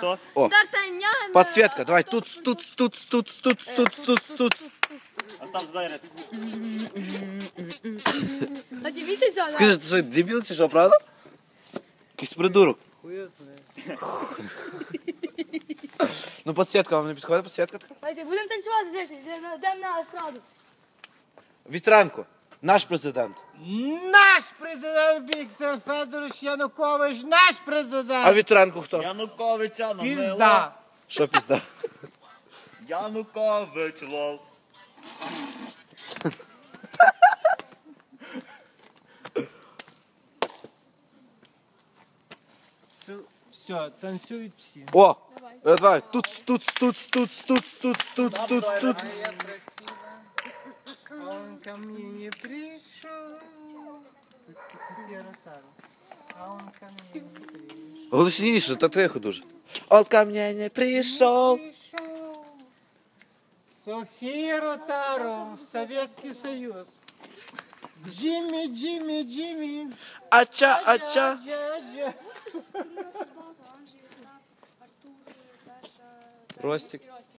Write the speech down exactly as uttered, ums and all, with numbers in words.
Хтось? О, Д'Артаньян. подсветка, давай, тут, тут, тут, тут, тут, тут, тут, тут. А сам знає. А тобі ти цього? Скажи, ти що, дебіл чи що, правда? Якийсь придурок. Ну, подсветка вам не підходить, подсветка така? Давайте, будемо танцювати, дивіться, йдемо йдемо на естраду. Вітренко, наш президент. Наш президент Віктор Федорович Янукович, наш президент. А Вітренко хто? Януковича намило. Пізда. Що пізда? Янукович лол. Все, танцюють всі. О, е, давай, тут, тут, тут, тут, тут, тут, тут, тут, тут. Он ко мне не пришел. А он ко мне не пришел. Голосніше, та тихо дуже. Он ко мне не прийшов. Пришел. София Ротаро, Советский Союз. Джимми, Джимми, Джимми. Ача, ача. Джа-джа. Ростик.